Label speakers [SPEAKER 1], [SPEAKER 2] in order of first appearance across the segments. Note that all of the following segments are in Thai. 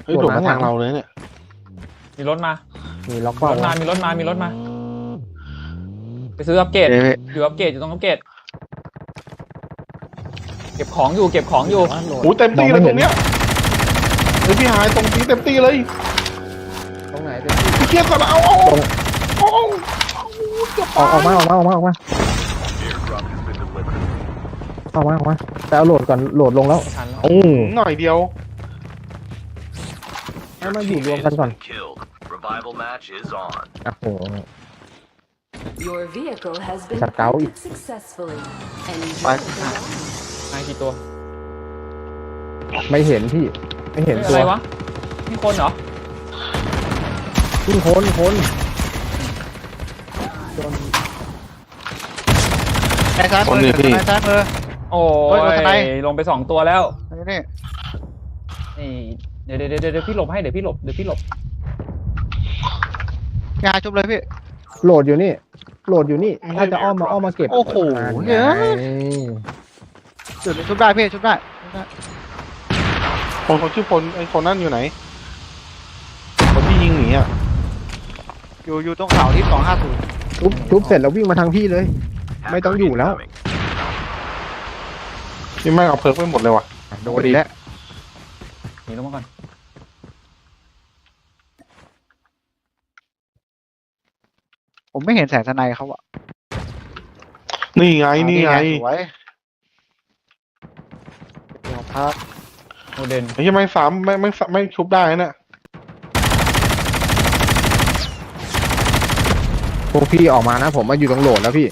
[SPEAKER 1] ฮ้ยโดดมาทางเราเลยเนี่ย
[SPEAKER 2] มีรถมา
[SPEAKER 3] มีล็อก
[SPEAKER 2] มี
[SPEAKER 3] เป้าร
[SPEAKER 2] ถมามีรถมามีรถมาไปซื้ออัปเกรดอยู่อัปเกรดอยู่ตรงอัปเกรดเก็บของอยู่เก็บของอยู่
[SPEAKER 1] โอ้เต็มตีเลยตรงเนี้ยเฮ้ยพี่หายตรงนี้เต็มตีเลย
[SPEAKER 3] ตรงไหน
[SPEAKER 1] พี่เครียดก่อนเอาอ
[SPEAKER 3] อกมาแต่เอาโหลดก่อนโหลดลงแล้ว
[SPEAKER 2] ทันแล้ว
[SPEAKER 1] หน่อยเดียว
[SPEAKER 3] ให้มาอยู่รวมกันก่อน
[SPEAKER 4] Revival match is on.
[SPEAKER 3] โอ้โห
[SPEAKER 5] Your vehicle has been
[SPEAKER 3] Chặt cáu.
[SPEAKER 5] planted successfully. And you
[SPEAKER 1] Bye.
[SPEAKER 5] will belong.
[SPEAKER 2] นายกี่ตัว
[SPEAKER 3] ไม่เห็นพี่ไม่เห็น
[SPEAKER 2] อะ
[SPEAKER 3] ตัว
[SPEAKER 2] ไรวะนี่คนเหรอ
[SPEAKER 3] ขึ้นคน
[SPEAKER 6] นายซ้ายมือนายซ้ายมือ
[SPEAKER 2] โอ้
[SPEAKER 6] เฮ้ยรถทนาย
[SPEAKER 2] ยลงไป2ตัวแล้ว
[SPEAKER 6] นี่
[SPEAKER 2] นี่เดี๋ยวพี่หลบให้เดี๋ยวพี่หลบ
[SPEAKER 6] ยาจุบเลยพี่
[SPEAKER 3] โหลดอยู่นี่ถ้าจะอ้อมมาเก็บ
[SPEAKER 6] โอ้โห
[SPEAKER 3] เนี่
[SPEAKER 6] จุดชุบได้พี่ชุบได้
[SPEAKER 1] คนชื่อพลไอ้คนนั่นอยู่ไหนคนที่ยิงหนีอ่ะ
[SPEAKER 6] อยู่ตรงเขาที่250
[SPEAKER 3] ทุบเสร็จแล้ววิ่งมาทางพี่เลย ไม่ต้องอยู่แล้ว
[SPEAKER 1] พี่แม่งเอาเพิร์กไปหมดเลยว่ะ
[SPEAKER 3] โดนดีแล้ว
[SPEAKER 2] หนีลงมาก่อน
[SPEAKER 6] ผมไม่เห็นแสงสไนเขาอะ
[SPEAKER 1] นี่ไง
[SPEAKER 6] สวยพัก
[SPEAKER 2] โมเดน
[SPEAKER 1] ไอ้ที่ไม่ชุบได้นะ
[SPEAKER 3] พวกพี่ออกมานะผมมาอยู่ตรงโหลดแล้วพี่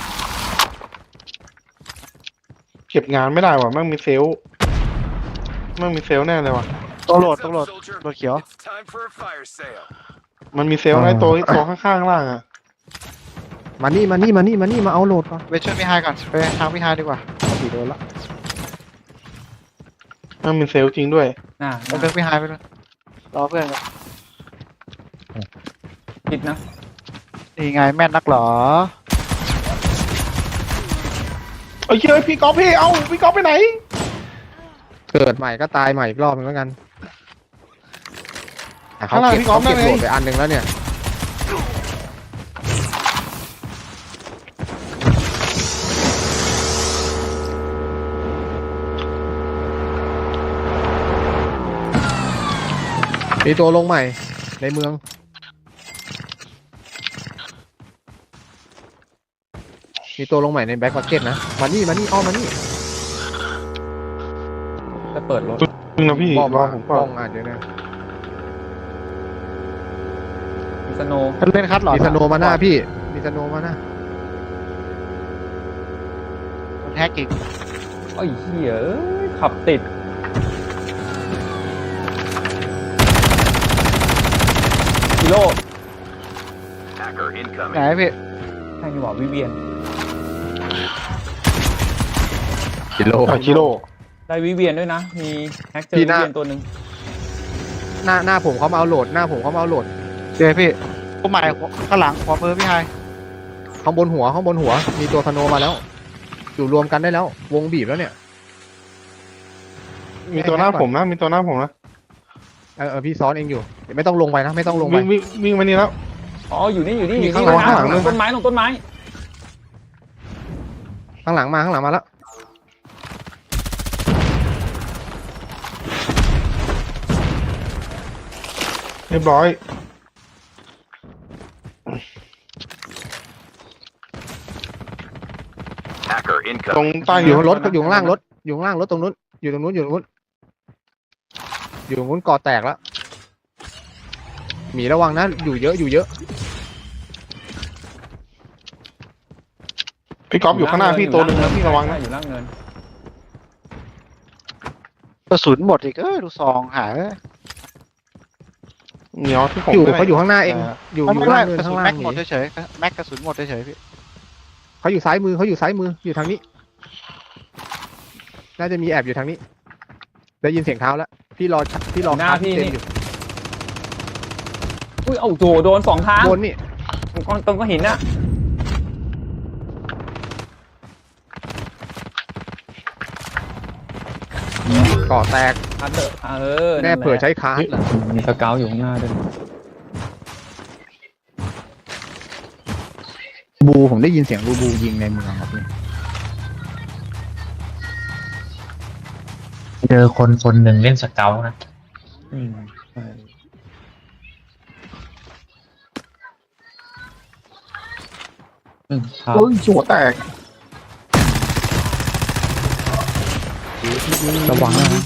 [SPEAKER 1] เก็บงานไม่ได้ว่ะแม่งมีเซลล์แน่เลยว่ะ
[SPEAKER 6] ตัวโหลดเขียว
[SPEAKER 4] It's time for a fire sale.
[SPEAKER 1] มันมีเซลล์ไอ้ตัวข้างๆล่างอ่ะ
[SPEAKER 3] มานี่มาเอาโหลดก่อน
[SPEAKER 6] ไปช่วยพี่ไฮก่อนไปทางพี่ไฮดีกว่า
[SPEAKER 3] พี่โดนละ
[SPEAKER 1] มันมีเซลล์จริงด้วย
[SPEAKER 2] น่า
[SPEAKER 6] ไปเลือกพี่ไฮไปเลยรอเพื่อนกัน
[SPEAKER 2] คิดนะ
[SPEAKER 6] นี่ไงแม่นนักหรอ
[SPEAKER 1] เอ้ยพี่ก๊อฟพี่ก๊อฟไปไหน
[SPEAKER 3] เกิดใหม่ก็ตายใหม่อีกรอบนึงแล้วกันแต่เขา
[SPEAKER 1] ข้างหลัง
[SPEAKER 3] เก็บ
[SPEAKER 1] พี่ก๊อฟ
[SPEAKER 3] โหล
[SPEAKER 1] นั่นไง
[SPEAKER 3] ดไปอันหนึ่งแล้วเนี่ยมีตัวลงใหม่ในเมืองมีตัวลงใหม่ในแบ็คมาร์เก็ตนะมานี่อ้อมมานี่
[SPEAKER 2] จะเปิดรถ
[SPEAKER 1] นึงนะพี่
[SPEAKER 3] บอม
[SPEAKER 1] รอ
[SPEAKER 3] มา
[SPEAKER 1] ผม
[SPEAKER 3] บ
[SPEAKER 1] ก่อ
[SPEAKER 3] อน มอ่ะเดี๋ยวนะ
[SPEAKER 2] มีสโน
[SPEAKER 6] เล่นคัดหรอ
[SPEAKER 3] มีสโนมาหน้าพี่มีสโนมาหน้า
[SPEAKER 6] แฮกอีก
[SPEAKER 2] ไอ้เหี้ยเอ้ยขับติดกิโล
[SPEAKER 4] Hacker
[SPEAKER 6] ไหน
[SPEAKER 4] incoming.
[SPEAKER 6] พี่
[SPEAKER 2] ใช่นี่หว่าวิเวียน
[SPEAKER 3] กิโล
[SPEAKER 1] กิโล
[SPEAKER 2] ได้วิเวียนด้วยนะ มีแฮกเจอ
[SPEAKER 3] พี่
[SPEAKER 2] วิ
[SPEAKER 3] หน้า
[SPEAKER 2] เวียนตัวหนึ่ง
[SPEAKER 3] หน้าผมเขามาเอาโหลดหน้าผมเขามาเอาโหลด
[SPEAKER 6] เจอพี่ตัวใหม่ข้างหลังขวามือพี่ไฮ
[SPEAKER 3] ข้างบนหัวมีตัวสโนมาแล้ว อยู่รวมกันได้แล้ว วงบีบแล้วเนี่ย
[SPEAKER 1] มีตัวหน้าผมนะ
[SPEAKER 3] พี่ซ้อนเองอยู่เดี๋ยวไม่ต้องลงไปนะไม่ต้องลงไป
[SPEAKER 1] วิ่งมานี่แล้ว
[SPEAKER 2] อ๋ออยู่นี่
[SPEAKER 3] มีข้างหลัง
[SPEAKER 2] นะ
[SPEAKER 3] ข้างหลัง
[SPEAKER 2] ลงต้นไม้
[SPEAKER 3] ข้างหลังมาแล้ว
[SPEAKER 1] เรียบร้อย
[SPEAKER 4] Hacker
[SPEAKER 1] ตรง
[SPEAKER 4] incoming.
[SPEAKER 1] ใต้
[SPEAKER 3] อยู่ข้างรถอยู่ข้างล่างรถตรงนู้นอยู่ตรงนู้นก่อแตกแล้วหมีระวังนะอยู่เยอะ
[SPEAKER 1] พี่ก๊อฟอยู่ข้างหน้าพี่ตัวหนึงนะพี่ระวังนะ
[SPEAKER 2] อยู่ล่างเนิน
[SPEAKER 6] กระสุนหมดอีกดูซองหาย
[SPEAKER 1] เหนียวที่ผม
[SPEAKER 3] เขาอยู่ข้างหน้าเองอยู่
[SPEAKER 6] ไม่
[SPEAKER 3] ล่าง
[SPEAKER 6] ก
[SPEAKER 3] เนิน
[SPEAKER 6] ระ
[SPEAKER 3] ข้า
[SPEAKER 6] สุ
[SPEAKER 3] ง
[SPEAKER 6] น
[SPEAKER 3] ล่า
[SPEAKER 6] แม็
[SPEAKER 3] ง
[SPEAKER 6] กหมดเฉยๆแม็กกระสุนหมดเฉยๆพี่
[SPEAKER 3] เขาอยู่ซ้ายมืออยู่ทางนี้น่าจะมีแอบอยู่ทางนี้ได้ยินเสียงเท้าแล้วพี่รอ
[SPEAKER 2] หน้าพี่
[SPEAKER 3] เต็ม
[SPEAKER 2] นี่
[SPEAKER 3] อยู่
[SPEAKER 2] อุ้ยเอาโดน2 ทาง
[SPEAKER 3] บนนี่
[SPEAKER 2] ตรงก็หินน่ะ
[SPEAKER 3] ก่อแตก
[SPEAKER 2] คัดเถอะ
[SPEAKER 3] แน่เผื่อใช้คาร์ดเหรอ
[SPEAKER 2] มีสเกลอยู่ข้างหน้าด้วย
[SPEAKER 3] บูผมได้ยินเสียงบูยิงในเมืองครับนี่
[SPEAKER 7] เจอคนหนึ่งเล่นสเกลนะ
[SPEAKER 2] ใช่ ครับ
[SPEAKER 1] โอ้ยหัวแตก
[SPEAKER 3] ระวังนะ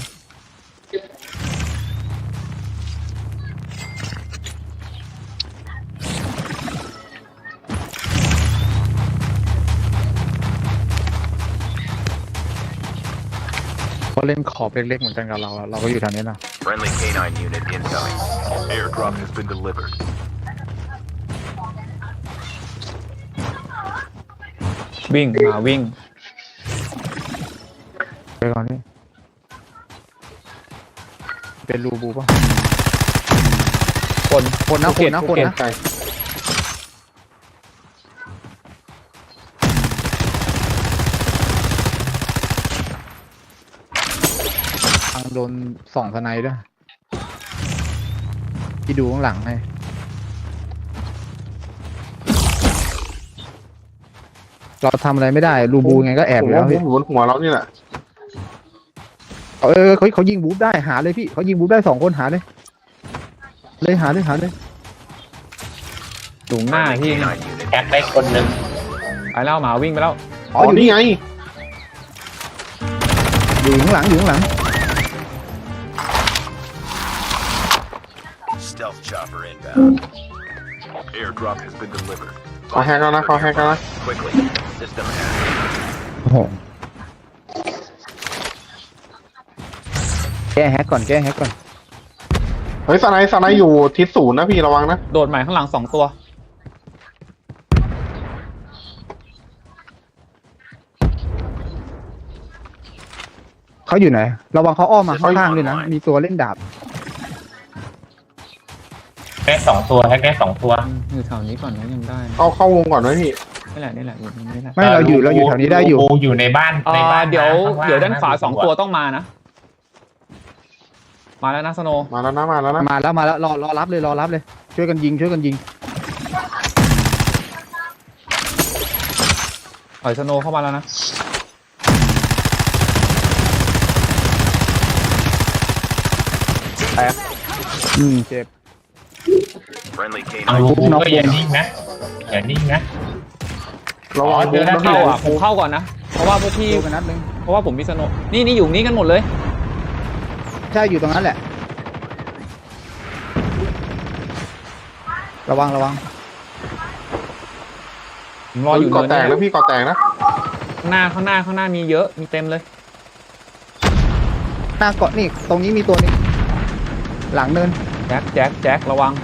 [SPEAKER 3] เขาเล่นขอบเล็กๆเหมือนกันกับเราอะเราก็อยู่ทางนี้นะ
[SPEAKER 4] Friendly canine unit incoming. Airdrop has been delivered.
[SPEAKER 2] วิ่งวิ่ง
[SPEAKER 3] ไปก่อนนี่เป็นรูบูป่ะ
[SPEAKER 2] คน
[SPEAKER 3] คนนะ
[SPEAKER 2] ภูเก็ต
[SPEAKER 3] คนนะ
[SPEAKER 1] ไกล
[SPEAKER 3] ทางโดนส่องสไนด้วยที่ดูข้างหลังให้เราทำอะไรไม่ได้รูบูไงก็แอบ
[SPEAKER 1] ผม
[SPEAKER 3] อยู่แล้
[SPEAKER 1] ว่าว
[SPEAKER 3] พี่
[SPEAKER 1] บนหัวเรานี่แหละ
[SPEAKER 3] เขายิงบูฟได้หาเลยพี่เขายิงบูฟได้2 คนหาเลยหาเลย
[SPEAKER 2] สูงหน้า
[SPEAKER 4] Friendly
[SPEAKER 2] พี่
[SPEAKER 4] canine unit
[SPEAKER 7] แอคได้คนหนึ่ง
[SPEAKER 2] ไปแล้วหมาวิ่งไปแล้ว
[SPEAKER 3] อ๋ออยู่
[SPEAKER 1] นี่
[SPEAKER 3] นี่
[SPEAKER 1] ไง
[SPEAKER 3] อยู่ข้างหลัง
[SPEAKER 4] stealth chopper inbound. Airdrop has been delivered.
[SPEAKER 1] เขาแฮกแล้วนะ
[SPEAKER 4] Quickly. System hack.
[SPEAKER 3] โอ้โหแก้แฮกก่อน
[SPEAKER 1] เฮ้ยสไนอยู่ทิศ0นะพี่ระวังนะ
[SPEAKER 2] โดดใหม่ข้างหลัง2 ตัว
[SPEAKER 3] เขาอยู่ไหนระวังเขาอ้อมมาข้างๆด้วยนะมีตัวเล่นดาบ
[SPEAKER 7] แค่2 ตัวแฮกได้2 ตัว
[SPEAKER 2] อยู่แถวนี้ก่อนนะยังได้นะ
[SPEAKER 1] เข้าวงก่อนไหมพี่
[SPEAKER 2] นี่แหละอยู่ตรงนี้แหละ
[SPEAKER 3] ไม่เราอยู่แถวนี้ได้อยู่
[SPEAKER 7] อยู่ในบ้านนะ
[SPEAKER 2] เดี๋ยว
[SPEAKER 7] ข้งล่ง
[SPEAKER 2] เดี๋ยวด้านขวา
[SPEAKER 7] ะ
[SPEAKER 2] 2 ตัวต้องมานะ มาแล้วนะสโน
[SPEAKER 1] มาแล้วนะ
[SPEAKER 3] มาแล้วรอรับเลยช่วยกันยิง
[SPEAKER 2] ปล่อยสโนเข้ามาแล้วนะ
[SPEAKER 3] เจ็บ
[SPEAKER 4] Friendly
[SPEAKER 7] เอา
[SPEAKER 4] canine.
[SPEAKER 7] ก็อย่านิ่งนะ
[SPEAKER 1] ระวัง
[SPEAKER 7] เจอแล้ว
[SPEAKER 2] เข้าผมเข้าก่อนนะ เพราะว่าพวกพี่
[SPEAKER 3] ดูกันนัดนึง
[SPEAKER 2] เพราะว่าผมมีสโนนี่อยู่นี่กันหมดเลย
[SPEAKER 3] ใช่อยู่ตรงนั้นแหละระวัง
[SPEAKER 2] ผมรออยู่
[SPEAKER 1] ก่อ
[SPEAKER 2] เนิน
[SPEAKER 1] แตก
[SPEAKER 2] นี่
[SPEAKER 1] แล้วพี่ก่อแตกนะ
[SPEAKER 2] ข้างหน้ามีเยอะมีเต็มเลย
[SPEAKER 3] หน้าเกาะนี่ตรงนี้มีตัวนี้หลังเนิน
[SPEAKER 2] แจ็คระวัง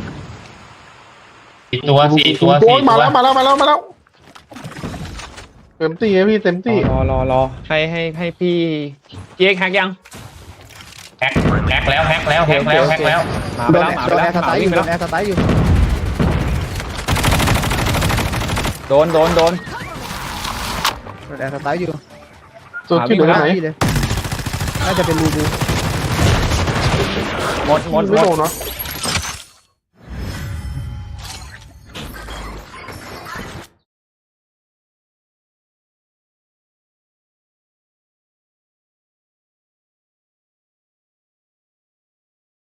[SPEAKER 7] 4 ตัว
[SPEAKER 1] โอ้ยมาแล้วเต็มที่พี่เต็มที่
[SPEAKER 2] รอให้พี่เจ๊กแฮกยัง
[SPEAKER 7] แฮกแล้วแฮกแล้ว
[SPEAKER 2] มาไป
[SPEAKER 3] โดน
[SPEAKER 2] แล้วหมาไป
[SPEAKER 3] แอ
[SPEAKER 2] แล้ว
[SPEAKER 3] ร์ส
[SPEAKER 2] ห
[SPEAKER 3] ไต
[SPEAKER 2] มา
[SPEAKER 3] ล์อ
[SPEAKER 2] วิ่ง
[SPEAKER 3] ยู่
[SPEAKER 2] ไป
[SPEAKER 3] โด
[SPEAKER 2] แล้ว
[SPEAKER 3] นแอร์สไตล์อยู่
[SPEAKER 2] โดน
[SPEAKER 3] โดนแอร์สไตล์อยู่
[SPEAKER 1] ตัวที่เหลือไหน
[SPEAKER 3] ที่เลยน่าจะเป็นรูบู
[SPEAKER 2] หมด
[SPEAKER 1] ไม่โดนเนาะ